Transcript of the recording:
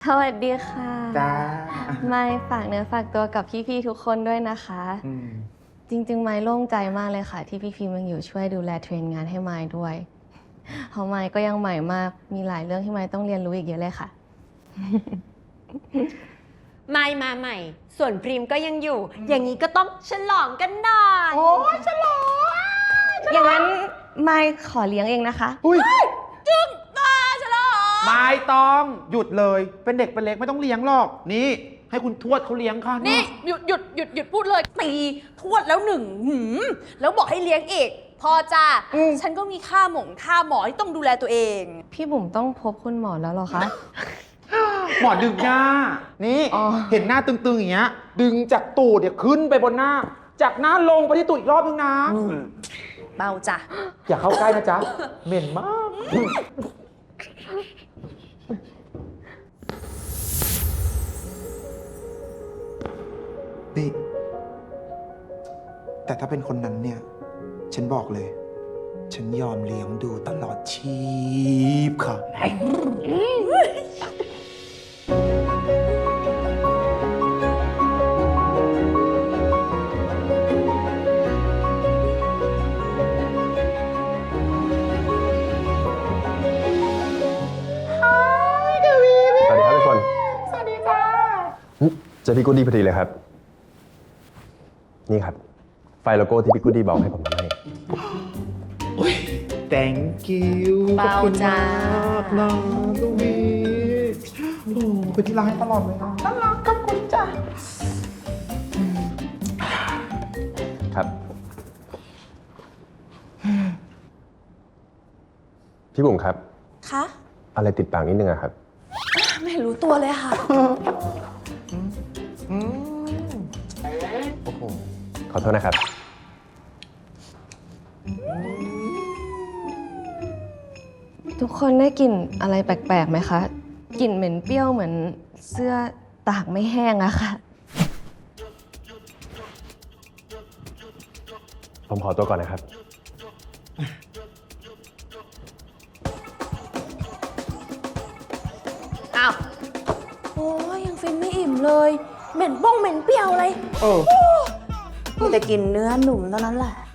วัสดีค่ะจ้าไม่ฝากเนื้อฝากตัวกับพี่ๆทุกคนด้วยนะคะจริงๆ ไม้โล่งใจมากเลยค่ะที่พี่ๆมันอยู่ช่วยดูแลเทรนงานให้ไม้ด้วยเพราะไม้ก็ยังใหม่มากมีหลายเรื่องที่ไม้ต้องเรียนรู้อีกเยอะเลยค่ะไม่มาใหม่ส่วนพรีมก็ยังอยู่อย่างนี้ก็ต้องฉลองกันหน่อยโอ้ยฉลองอย่างนั้นไม้ขอเลี้ยงเองนะคะอุ้ยจึ๊งตาฉลองไม่ต้องหยุดเลยเป็นเด็กเป็นเล็กไม่ต้องเลี้ยงหรอกนี่ให้คุณทวดเขาเลี้ยงค่ะนี่หยุดพูดเลยตีทวดแล้วหนึ่งแล้วบอกให้เลี้ยงอีกพอจ้าฉันก็มีค่าหมอที่ต้องดูแลตัวเองพี่บุ๋มต้องพบคุณหมอแล้วเหรอคะหมอดึงหน้านี่เห็นหน้าตึงๆอย่างเงี้ยดึงจากตูดเนี่ยขึ้นไปบนหน้าจากหน้าลงไปที่ตูดอีกรอบนึงนะเบาจ้ะอย่าเข้าใกล้นะจ๊ะเหม็นมากนี่แต่ถ้าเป็นคนนั้นเนี่ยฉันบอกเลยฉันยอมเลี้ยงดูตลอดชีพค่ะสวัสดีครับทุกคนสวัสดีจ้าเจอพี่กูดดี้พอดีเลยครับ นี่ครับ ไฟล์โลโก้ที่พี่กูดดี้บอกให้ผมทำให้ thank you เบาจ้าน้องลูวีโอ้เป็นที่รักให้ตลอดเลยนะน่ารักกับคุณจ้าครับ พี่บุ๋มครับคะอะไรติดปากนิดนึงอะครับไม่รู้ตัวเลยค่ะโอ้โหขอโทษนะครับทุกคนได้กลิ่นอะไรแปลกๆไหมคะกลิ่นเหม็นเปรี้ยวเหมือนเสื้อตากไม่แห้งอะค่ะผมขอตัวก่อนนะครับอ้าวโอ้ยยังฟินไม่อิ่มเลยเหม็นเปรี้ยวอะไรเออมีแต่กินเนื้อหนุ่มเท่านั้นแหละ